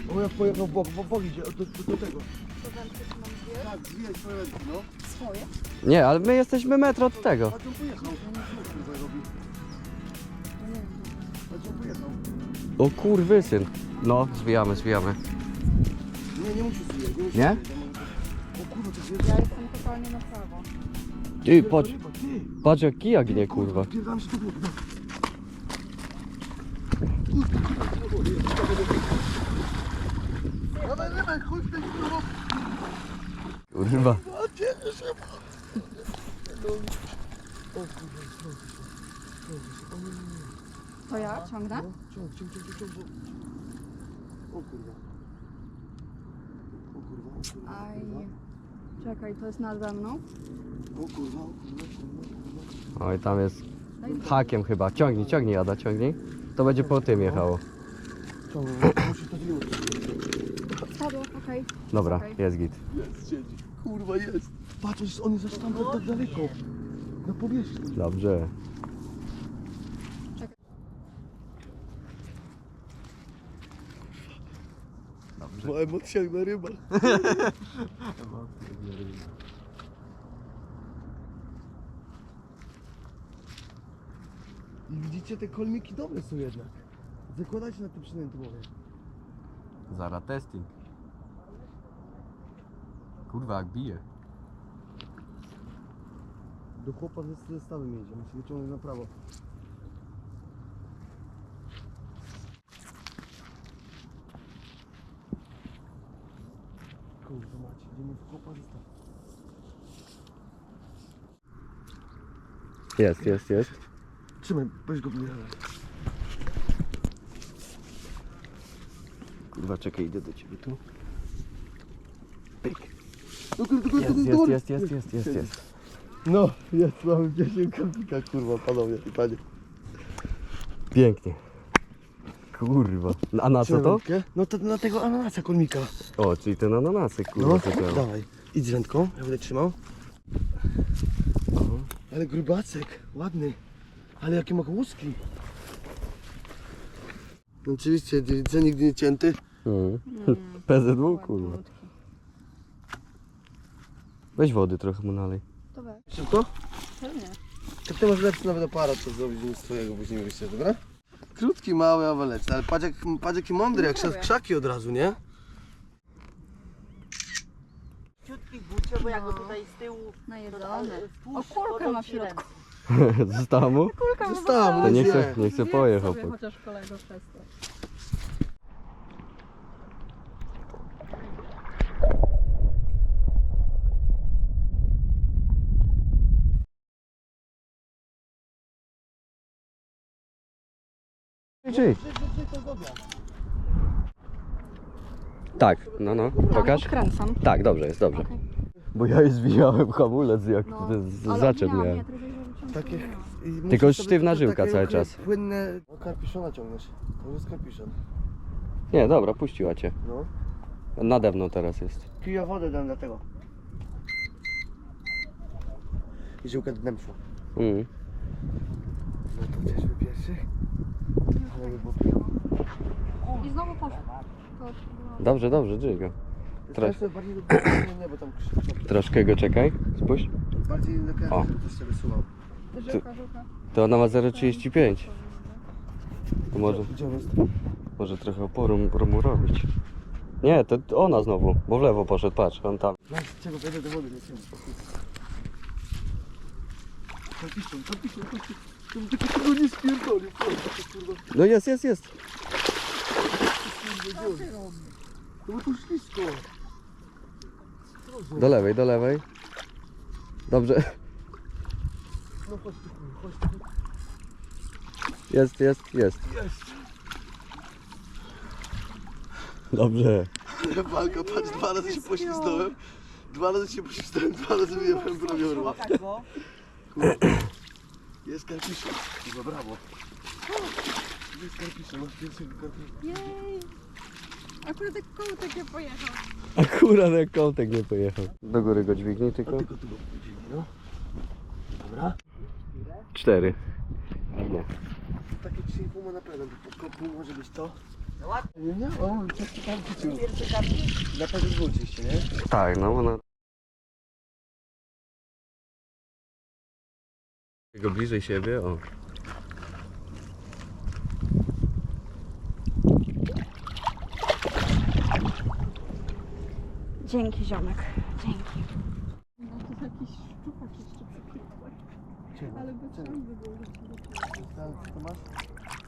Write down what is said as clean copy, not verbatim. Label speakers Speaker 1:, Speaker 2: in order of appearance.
Speaker 1: O, ja pojechał w bok idzie, do tego.
Speaker 2: To wędkę czy mam zbierać?
Speaker 1: Tak, zwijaj swoje ręce, no.
Speaker 2: Swoje?
Speaker 3: Nie, ale my jesteśmy metr od tego.
Speaker 1: A on pojechał. Co robi?
Speaker 2: No nie wiem.
Speaker 1: A on pojechał.
Speaker 3: O kurwysyn. No, zwijamy.
Speaker 1: Nie musisz zwijać, nie musisz
Speaker 3: Nie?
Speaker 1: zwijać. O kurwa, to jest...
Speaker 2: Ja jestem totalnie na prawo.
Speaker 3: Ty, patrz,
Speaker 1: Ty,
Speaker 3: patrz jak kijak nie, kurwa.
Speaker 1: Pierdam się do wody, no. Dawaj, dawaj, chodź tutaj, kurwa.
Speaker 3: Kurwa.
Speaker 2: To ja ciągnę?
Speaker 1: Ciąg. O kurwa.
Speaker 2: Aj. Czekaj, to jest nade mną?
Speaker 1: O kurwa.
Speaker 3: Oj, tam jest hakiem chyba. Ciągnij, Ada, ciągnij. To będzie po tym jechało.
Speaker 1: Ciąg, musisz to zdjąć.
Speaker 2: Spadło, okej.
Speaker 3: Dobra,
Speaker 2: Okej.
Speaker 3: jest git.
Speaker 1: Jest, siedzi. Kurwa, jest. Patrz, on jest aż tam tak daleko. Na powierzchni.
Speaker 3: Dobrze.
Speaker 1: Ma emocjach na rybach. I widzicie, te kolmiki dobre są jednak. Zakładajcie na tym przynęty mówię.
Speaker 3: Zara testing. Kurwa, jak bije.
Speaker 1: Do chłopa ze zestawem jedzie, musi wyciągnąć na prawo. Kurwa macie, idziemy w chłopa zestaw.
Speaker 3: Jest.
Speaker 1: Trzymaj, weź go wyjechać.
Speaker 3: Kurwa, czekaj, idę do ciebie tu.
Speaker 1: Do góry.
Speaker 3: Jest.
Speaker 1: No, jest, mamy 10 kolmika, kurwa, panowie i panie.
Speaker 3: Pięknie. Kurwa. A na co to?
Speaker 1: Wędkę? No to na tego ananasa kolmika.
Speaker 3: O, czyli ten ananasy, kurwa,
Speaker 1: No,
Speaker 3: co to?
Speaker 1: dawaj. Idź z wędką, ja będę trzymał. Ale grubacek, ładny. Ale jakie ma łuski. No oczywiście, dziewica nigdy nie cięty.
Speaker 3: PZW, kurwa. Weź wody trochę mu nalej.
Speaker 2: To weź.
Speaker 1: Szybko?
Speaker 2: Pewnie.
Speaker 1: Tak ty masz lepszy nawet aparat, co zrobić niż swojego, później wyjście, dobra? Krótki, mały, ale lepszy. Ale patrz jaki mądry, jak szedł w krzaki od razu, nie?
Speaker 4: Ciutki bucie, bo jak go tutaj z tyłu
Speaker 2: Najedzone.
Speaker 4: wpuść,
Speaker 2: O, kulkę
Speaker 4: to
Speaker 2: ma w
Speaker 4: ci
Speaker 2: środku.
Speaker 3: Zostało mu?
Speaker 2: Kulka ma
Speaker 1: Została mu,
Speaker 3: To
Speaker 1: nie
Speaker 3: nie chcę pojechał.
Speaker 2: sobie chociaż kolego przez to.
Speaker 3: Czyli. Tak, no, pokaż.
Speaker 2: Odkręcam.
Speaker 3: Tak, dobrze jest, dobrze.
Speaker 2: Okej.
Speaker 3: Bo ja już zwijałem hamulec, jak
Speaker 2: No,
Speaker 3: zaczep
Speaker 2: ale
Speaker 3: miałem.
Speaker 2: nie, tylko żeby wyciągnąć
Speaker 1: Takie,
Speaker 2: to
Speaker 1: i musisz
Speaker 3: Tylko
Speaker 1: sobie
Speaker 3: sztywna
Speaker 1: takie
Speaker 3: żyłka cały czas.
Speaker 1: Płynne... No, karpiszona ciągniesz. To jest karpiszon.
Speaker 3: Nie, dobra, puściła cię.
Speaker 1: No.
Speaker 3: Nade mną teraz jest.
Speaker 1: Piję wodę dam dlatego. I żyłkę dnem szła. No to gdzieś pierwszy? Ale by było pięknie.
Speaker 2: I znowu poszło. To
Speaker 3: Dobrze, dźwigam.
Speaker 1: Teraz to bardziej do nie, bo tam krzyk.
Speaker 3: Troszkę go czekaj, spójrz.
Speaker 1: Bardziej do
Speaker 3: O.
Speaker 1: kręgu, żeby też się wysuwał.
Speaker 2: Żyłka.
Speaker 3: To ona ma 0,35. To
Speaker 1: Gdzie on jest?
Speaker 3: może trochę oporu mu robić. Nie, to ona znowu, bo w lewo poszedł, patrz, on tam.
Speaker 1: No, z czego wejdę do wody, nie wiem. Karpiszon. Żeby tylko tego nie spierdolił, kurwa.
Speaker 3: No jest.
Speaker 1: No bo to ślisko.
Speaker 3: Do lewej. Dobrze.
Speaker 1: No chodź tu, chodź tu.
Speaker 3: Jest. Dobrze.
Speaker 1: Walka, patrz, 2 razy się poślizgnąłem. 2 razy się poślizgnąłem, 2 razy wyjechałem prawie orła.
Speaker 4: szukać go.
Speaker 1: Jest karpiszon. Kurwa, brawo. Jest karpiszon, masz pierwszego karpiszona.
Speaker 2: Jej! Akurat jak kołtek nie pojechał.
Speaker 3: Akurat jak kołtek nie pojechał. Do góry go dźwignij tylko.
Speaker 1: A tylko tu go powiedzieli, no. Dobra.
Speaker 3: 4. Nie.
Speaker 1: Takie 3,5 ma na pewno, bo pół może być to. Nie, o, ciężki tam wrócił.
Speaker 4: Pierwszy karty?
Speaker 1: Na pewno wróciście, nie?
Speaker 3: Tak, no ona... Go bliżej siebie, o.
Speaker 2: Dzięki, ziomek. Dzięki.
Speaker 1: Ale bez szans by było. Co masz?